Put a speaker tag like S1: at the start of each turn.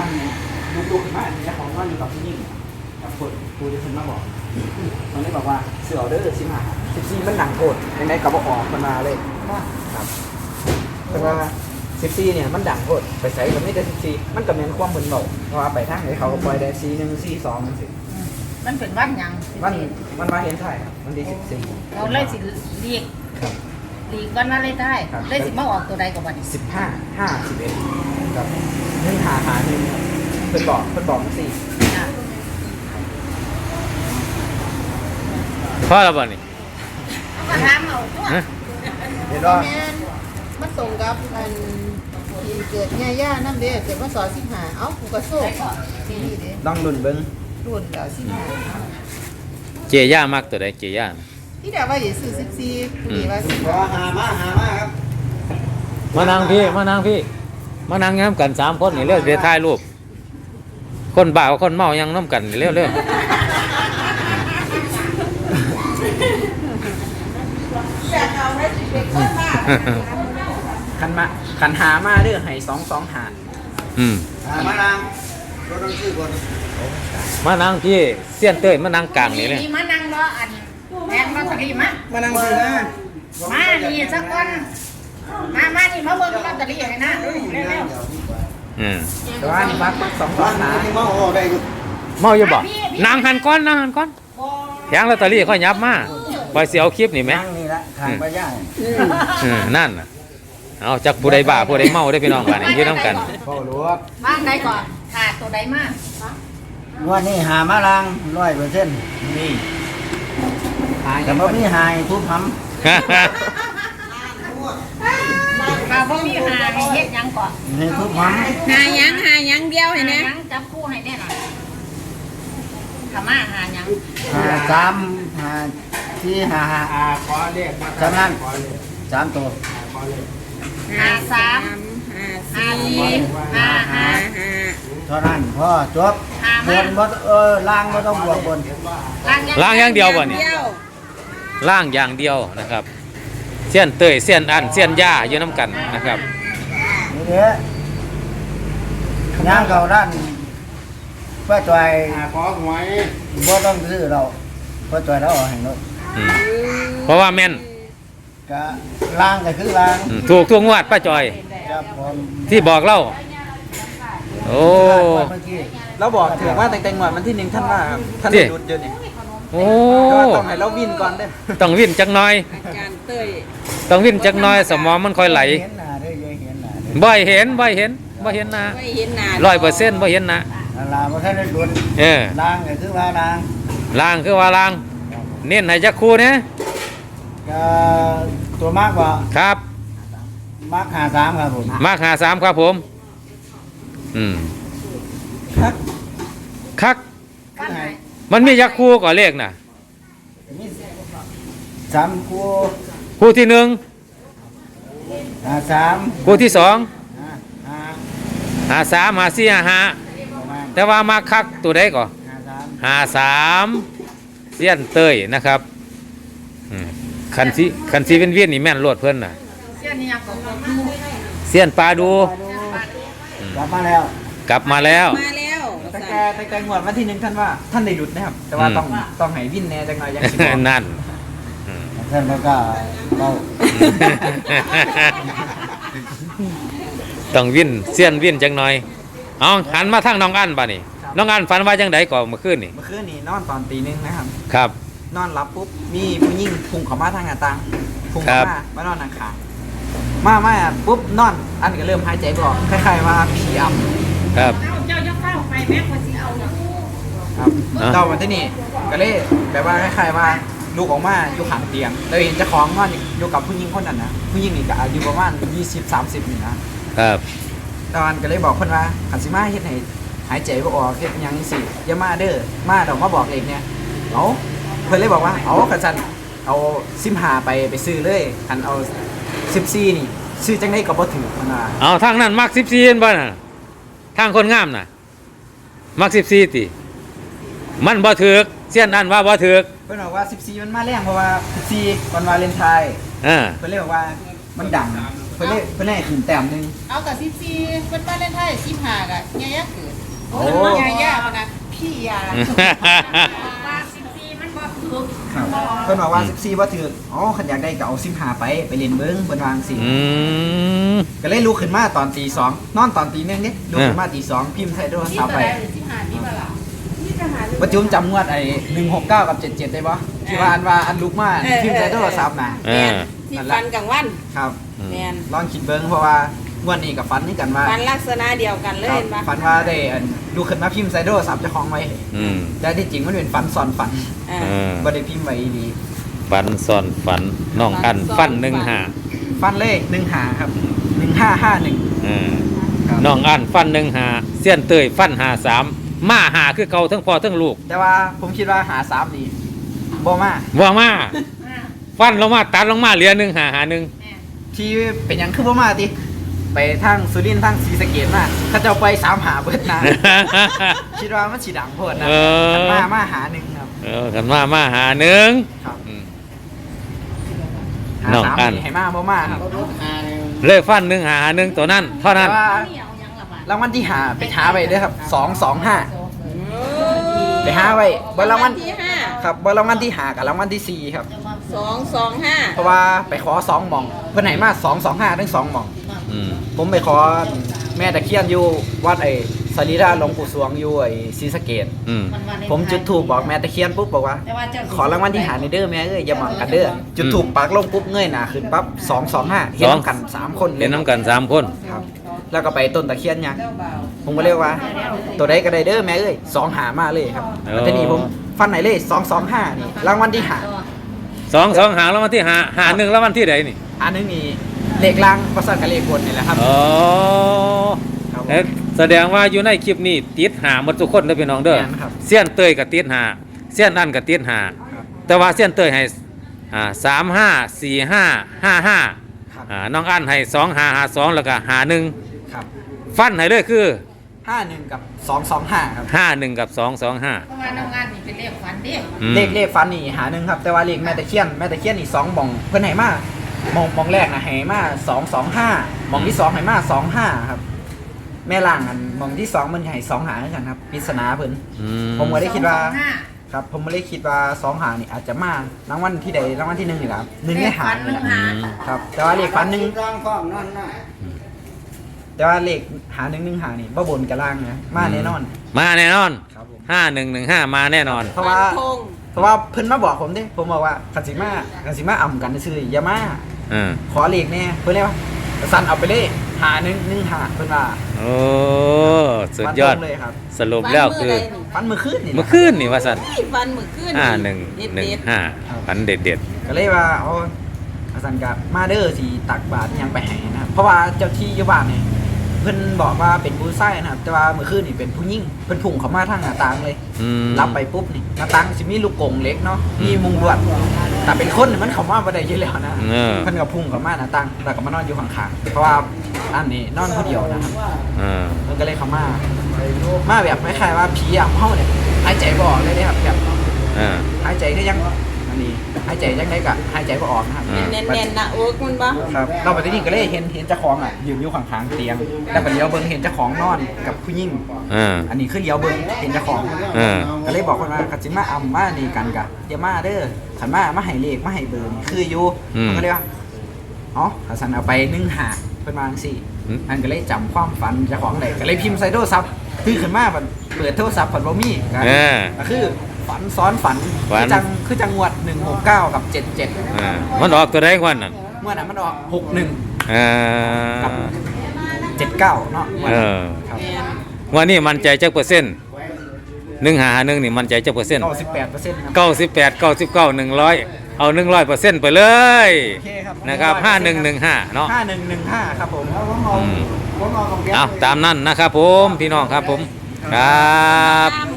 S1: มันดูขึ้นมาอันนี้ของว่าอยู่กับผู้หญิงกับคนผู้ที่คนมาบอกมันเลยบอกว่าเสือเด้อ15 14มันหนังโกรธยังไงกับออกมันมาเลยครับแต่ว่า14เนี่ยมันดังโกรธไปใส่ก็ไม่ได้14มันก็เหมือนความเหมือนเบาเพราะว่าไปทางไหนเขาก็ปล่อยได้41 42มันสิ
S2: มันเป็นวันหยัง
S1: มันมาเห็นไทยครับมันดี14
S2: เราเลยสิเรียกวันนั้นเลยได้เลยสิมาออกตัวใดกับวันนี้
S1: 15 5 11ครับ1 5 5 1ครับเพิ่นบอกสี่
S3: พ่อเราบ่นี่
S2: ก็ถามเอาตัว
S1: เห็นว่า
S4: แม่นมันตรงกับอันที่เกิดย่าๆนั่นเด้เกิดว่าสอน15เอ้ากูก็โซ่ที่นี่เด้
S1: ต้องลุ้นเบิ่ง
S4: รุ่นแล้ว15
S3: เจย่ามากตัวใดเจย่านะ
S4: ที่เดี๋ยวว่าสิซื้อ14ผู้นี้ว่าสิ
S1: รอหามาครับ
S3: มานั่งพี่มานั่งย้ำกัน3คนนี่เร็วเดี๋ยวถ่ายรูปคนบ้ากับคนเมายังน้ำกันนี่เร็ว
S1: ขันหามาเด้อให้2 2 หา
S3: อืม
S1: มานางรถต้องชื่อคน
S3: มานั่งพี่เสี้ยนเต้ยมานั่งกลางนี่เลย
S2: มานั่งรออันแม่มาสักทีมา
S1: มานางซื้อนะ
S2: มานี่สักวันมานี่มาเบิ่งลอตเตอรี่ให้นะเร็ว
S3: อืม
S1: แต่ว่านี่มัก2 2 หา
S3: เมาอยู่บ่นางหันก้อนแทงลอตเตอรี่ค่อยยับมาไปเสียวคลิปนี่ไหม
S1: นั่งนี่ละทางไปย่าง
S3: นั่นน่ะเอาจากผู้ใดบ้าผู้ใดเมาได้พี่น้องกันนี่ยืนน้ำกัน
S1: พ่อหลวง
S2: บ้านใดก่อนขาดตัวใดมา
S5: ว่านี่หามาลาง100%
S1: นี่
S5: แต่บ่มีหายทุบห
S2: ข้าวบ่มีหาให้เฮ็ดหยังก่อน
S5: ำให้ทุบห
S4: หาหยังเดียวให้แน่
S2: หยังจับคู่ให้แน่หน่อยถ้ามาหาหยัง
S5: ำหา3หา4หา
S1: ขอเรียกมา
S5: จำนั้น3ตัว
S1: ขอเรียก
S2: หาสามหาสี่หาห้า
S5: เท่านั้นพอจบ
S2: หา
S5: บ
S2: มาน
S5: บ่ล่างบ่ต้องบวกบน
S3: ล้างอย่างเดียวบ่นี่ล้างอย่างเดียวนะครับเสี้ยนเต้ยเสี้ยนอันเสี้ยนย่าอยู่น้ำกันนะครับ
S5: นี่เด้ย่างเข้าด้านป้าจอย
S1: ขอหวย
S5: บ่ต้องซื้อเราป้าจอยเราเอาให้รถ
S3: อืมเพราะว่าแม่น
S5: ก็ล่างก็คือล่าง
S3: ถูกทุกงวดป้าจอย
S5: ครับผม
S3: ที่บอกเล่าโอ้
S5: เมื่อกี้
S1: เราบอกถือว่าแต่งหมดมันที่1ท่านว่าครับท่านได้ดุดเยอะนี่
S3: โอ้
S1: ก็ต้องให้เราวินก่อนเด้อ
S3: ต้องวิ่นจักหน่อย
S4: อาจารย์เต้ย
S3: ต้องวิ่นจักหน่อยสมองมันค่อยไหล
S5: เห็นหน้าเด้ออย่าเห็นหน้าเด้อ
S3: บ่เห็นนะ
S4: ไม่เห็นหน้า
S3: 100%บ่เห็นนะ
S5: นั่นล่ะบ่ทันได้ดุน
S3: เออ
S5: ล่างก็คือว่าล่าง
S3: ล่างคือว่าล่าง เน้นให้จักคู่เนี่ย
S5: ก็ตัวมากกว่า
S3: ครับ
S5: มาก53ครับผม
S3: มาก53ครับผม อืม
S5: ครับ
S3: คัก
S2: บ้านไหน
S3: มันมีจักคู่ก่อนเลขน่ะ
S5: มี3คู่
S3: คู่ที่1
S5: 53
S3: คู่ที่2
S5: 5
S3: 53 54 55
S5: ประมาณ
S3: แต่ว่ามาคักตัวใดก่อน 53เสี้ยนเต้ยนะครับอืมคันสีเวียนๆนี่แม่นโลดเพิ่นน่ะ
S2: เสี้ยนนี่ยังก็บ่ดู
S3: เสี้ยนปลาดู
S5: กลับมาแล้ว
S3: กลับมาแล้ว
S4: มาแล้ว
S1: แต่งหมดวันที่1ท่านว่าท่านได้ดุดนะครับ แต่ว่าต้องให้วินแน่จังหน่อยยังสิบอก
S3: นั่นอืม
S5: ท่านมันก็เรา
S3: ต้องวิ่นเสี้ยนวิ่นจังหน่อยเอาหันมาทางน้องอันบ่นี่น้องอันฝันว่าจังไดก่อนเมื่อคืนนี่
S1: เมื่อคืนนี่นอนตอนตี 1นะครับ
S3: ครับ
S1: นอนหลับปุ๊บมีผู้หญิงพุ่งเข้ามาทางหน้าต่างพุ่งเข้ามานอนนางขามาปุ๊บนอนอันก็เริ่มหายใจบ่ออกคล้ายๆว่าผีอำ
S3: ครับ
S2: เจ้าจะเข้าไปแม่คนสิเอาอยู่
S1: ครับเจ้าวันที่นี่ก็เลยแบบว่าคล้ายๆว่าลูกออกมาอยู่ข้างเตียงแล้วเห็นเจ้าของนอนอยู่กับผู้หญิงคนนั้นนะผู้หญิงนี่ก็อายุประมาณ20-30นี่นะครับ ตอนก็เลยบอกคนว่าขันสิมาเฮ็ดให้หายใจบ่ออกเฮ็ดหยังสิอย่ามาเด้อมาดอกมาบอกเองเนี่ยเอาเพิ่นเลยบอกว่าเอากระสันเอา15ไปซื้อเลยคันเอา14นี่ซื้อจังได๋ก็บ่ถือมันว่า
S3: เอาทางนั้นมัก14เห็นบ่น่ะทางคนงามน่ะมัก14ติมันบ่ถูกเสี้ยนอันว่าบ่ถูก
S1: เพิ่นบอกว่า14มันมาแรงเพราะว่า14วันวาเลนไทน์
S3: อ่า
S1: เพิ่นเลยบอกว่ามันดังเพิ่นได้ขึ้นแต้มหนึง
S4: เอากับ14เพิ่นบ้านเล่นไทย15ก็ยายาเกิด
S1: โอ้
S4: ยายาพนะพี่ยา
S2: ว่า14มันบ่ถูก
S1: ครับเพิ่นบอกว่า14บ่ถืออ๋อคันอยากได้ก็เอา15ไปเล่นเบิ่งเพิ่นวาจั่งสิ
S3: อืม
S1: ก็เลยลุกขึ้นมาตอนตี 2นอนตอนตี 1เด้ลุกขึ้นมาตี 2พิมพ์ใส่โทร
S4: ที่
S1: ศัพท์
S4: ตัว
S1: ไป
S4: ใด15นี่บ่ล่ะนี่จะหา
S1: ประจุมจำงวดไอ้169กับ77ได้บ่ที่ว่าอันลุกมาพิมพ์ใส่โทรศัพท์น่ะ
S3: เออ
S4: ที่ฟันกลางวัน
S1: ครับ
S4: แม่น
S1: ลองคิดเบิ่งเพราะว่างวดนี้กับฝันนี่กันว่า
S4: ฟันลักษณะเดียวกันเลย
S1: ครับ
S4: เห็นปะ
S1: ฝันว่าได้ลุกขึ้นมาพิมพ์ใส่โทรศัพท์เจ้าของไว้
S3: อืม
S1: แต่ที่จริงมันเป็นฝันซ้อนฝัน
S4: อ่า
S3: เออ
S1: บ่ได้พิมพ์ไว้ดี
S3: ฝันซ่อนฝันน้องอันฟันหนึ่งหา
S1: ฟันเลข15ครับ1551
S3: เออ
S1: ครับ
S3: น้องอันฟันหนึ่งหาเสี้ยนเตยฟันหาสามมาหาคือเก่าทั้งพ่อทั้งลูก
S1: แต่ว่าผมคิดว่าหา3นี่บ่มา
S3: ว่ามาฟันลงมาตัดลงมาเหลือหนึ่งหาหาหนึ่ง
S1: ที่เป็นหยังคือบ่มาติไปทางสุรินทร์ทางศรีสะเกษมาเขาเจ้าไป3หาเบิด นะ คิดว่ามันสิดังโพดนะ
S3: เออ
S1: มาหาหนึ่งครับ
S3: เออกันมาหาหนึ่ง
S1: ครับ
S3: อืม
S1: หา
S3: น้อง
S1: สาม
S3: อัน
S1: นี่ให้มาบ่มาครับ
S3: เลขฟันหนึ่งหาหนึ่งตัวนั้นเท่านั้น
S1: แต่ว่ารางวัลที่หาไปหาไว้เด้อครับ225ไปหาไว้บ่รางวัล
S4: ที่ห้า
S1: ครับบ่รางวัลที่หากับรางวัลที่สี่ครับ
S4: 225
S1: เพราะว่าไปขอ2หม่องเพิ่นให้มา225ทั้ง2หม่อง
S3: อืม
S1: ผมไปขอแม่ตะเคียนอยู่วัดไอ้สรีระหลวงปู่สวงอยู่ไอ้ศรีสะเกษ
S3: อืม
S1: ผมจุดธูปบอกแม่ตะเคียนปุ๊บบอกว่า ขอรางวัลที่หาในเด้อแม่เอ้ยอย่าหมองกันเด้อจุดธูปปักลงปุ๊บเงยหน้าขึ้นปั๊บ225เห็นกัน3คนล
S3: เล่
S1: ย
S3: นน้ำกันสามคน
S1: ครับ แล้วก็ไปต้นตะเคียนยักษ์ผมก็เรียกว่า ตัวใดก็ได้เด้อแม่เอ้ย2หามาเลยครับแล้วทีนี้ผมฟันไหนเลย225นี่รางวัลที่หา
S3: สองหาแล้ววันที่หาหนึ่งแล้ววันที่ไหนนี่
S1: อันนึงมีเลขล่างประสานกับเลขบนนี่แหละครับ
S3: อ๋อ
S1: ครับผม
S3: เอ๊ะแสดงว่าอยู่ในคลิปนี้ติดหาหมดทุกคนเด้อพี่น้องเด้อ
S1: แม่นครับ
S3: เสี้ยนเตยกับติดหาเสี้ยนอันกับติดหา
S1: ครับ
S3: แต่ว่าเสี้ยนเตยให้354555
S1: ครับ
S3: น้องอันให้2552แล้วก็51
S1: ครับ
S3: ฟันให้เลยคือ
S1: 51กับ225ครับ
S3: 51กับ225
S2: เพราะว่าน้องงานนี่เป็นเลขฝันเด้
S3: อืม
S1: เลขฟันนี่หาหนึ่งครับแต่ว่าเลขแม่ตะเคียนนี่2หม่องเพิ่นให้มาหม่องแรกนะให้มา225หม่องที่2ให้มา25ครับแม่ล่างอันหม่องที่2มันให้2หาเหมือนกันครับปริศนาเพิ่น
S3: อืม
S1: ผมก็ได้คิดว่า
S2: 225
S1: ครับผมไม่ได้คิดว่า2หานี่อาจจะมารางวัลที่ใดรางวัลที่1นี่ครับ1ในหานี่แหละ
S3: อืม
S1: ครับแต่ว่าเลขฟันหนึ่ง
S5: ร่างความนั่นน่ะ
S1: แต่ว่าเลขหา1 1หานี่บ่บนกับล่างนะมาแน่นอน
S3: มาแน่นอน
S1: ครับผม
S3: 5115มาแน่นอน
S1: เพราะว่า
S4: ฟันธง
S1: เพราะว่าเพิ่นมาบอกผมเด้ผมบอกว่าคันสิมาอ่ำกันซื่อๆอย่ามา
S3: อ่า
S1: ขอเลขแน่เพื่อนเรียกว่าสันเอาไปเลยหาหนึ่งหาเพื่อนว่า
S3: โอ้สุดยอด
S1: ฟันธงเลยครับ
S3: สรุปแล้วคือ
S1: ฟันมือขึ้นนี่
S3: เมื่อคืนนี่ว่าสัน
S4: ฟันมือขึ้นเด็ด
S3: 5115ฝันเด็ด
S1: ก็เลยว่าเอาสันกับมาเดอร์สีตักบาตรยังไปให้นะครับเพราะว่าเจ้าที่อยู่บ้านเนี่ยเพิ่นบอกว่าเป็นผู้ชายนะครับแต่ว่าเมื่อคืนนี่เป็นผู้หญิงเพิ่นพุ่งเข้ามาทางหน้าต่างเลย
S3: อืม
S1: รับไปปุ๊บนี่หน้าต่างสิมีลูกกรงเล็กเนาะมีมุงลวดแต่เป็นคนนี่มันเข้ามาบ่ได้อยู่แล้วนะ
S3: เออ
S1: เพิ่นก็พุ่งเข้ามาหน้าต่างแล้วก็มานอนอยู่ข้างๆเพราะว่าอันนี้นอนคนเดียวนะครับ มันก็เลยเข้ามาแบบคล้ายๆว่าผีอ่ะเฮาเนี่ยหายใจบ่ออกเลยเด้ครับแบบ
S3: อ่า
S1: หายใจก็ยังอันนี้หายใจยังไงก็หายใจบ่ออกนะครับ
S3: อ่า
S4: เน้นๆนะโอ๊กมันบ่
S1: ครับเราไปที่นี่ก็เลยเห็นเจ้าของอ่ะยืนอยู่ข้างๆเตียงแล้วก็เลี้ยวเบิ่งเห็นเจ้าของนอนกับผู้หญิง
S3: อ่า
S1: อันนี้คือเลี้ยวเบิ่งเห็นเจ้าของ ก็เลยบอกคนว่ากัจิมาอำมานี่กันกะอย่ามาเด้อขันมาให้เลขมาให้เบอร์นี่คืออยู่มันก็เลยว่าอ๋อขันสันเอาไป1หาเพิ่นว่าจังซี่อันก็เลยจำความฝันเจ้าของได้ก็เลยพิมพ์ใส่โทรศัพท์คือขึ้นมาเปิดโทรศัพท์เพิ่นบ่มีก็คือฝันซ้อนฝันคือจังหวัด169กับ77
S3: มันออกตัวใดกว่านั้น
S1: เมื่อนั้นมันออก61
S3: อ่า
S1: กับ79เนาะ
S3: เออ
S1: ครับ
S3: วันนี้มันใจจักเปอร์เซ็นต์151นี่มันใจจักเปอร์เซ็นต์
S1: 98%ครับ
S3: 98 99 100เอา100%ไปเลย
S1: โอเคครับ
S3: นะครับ5115เนาะ
S1: 5115ครับผม
S3: เอาตามนั้นนะครับผมพี่น้องครับผมครับ
S4: ตาม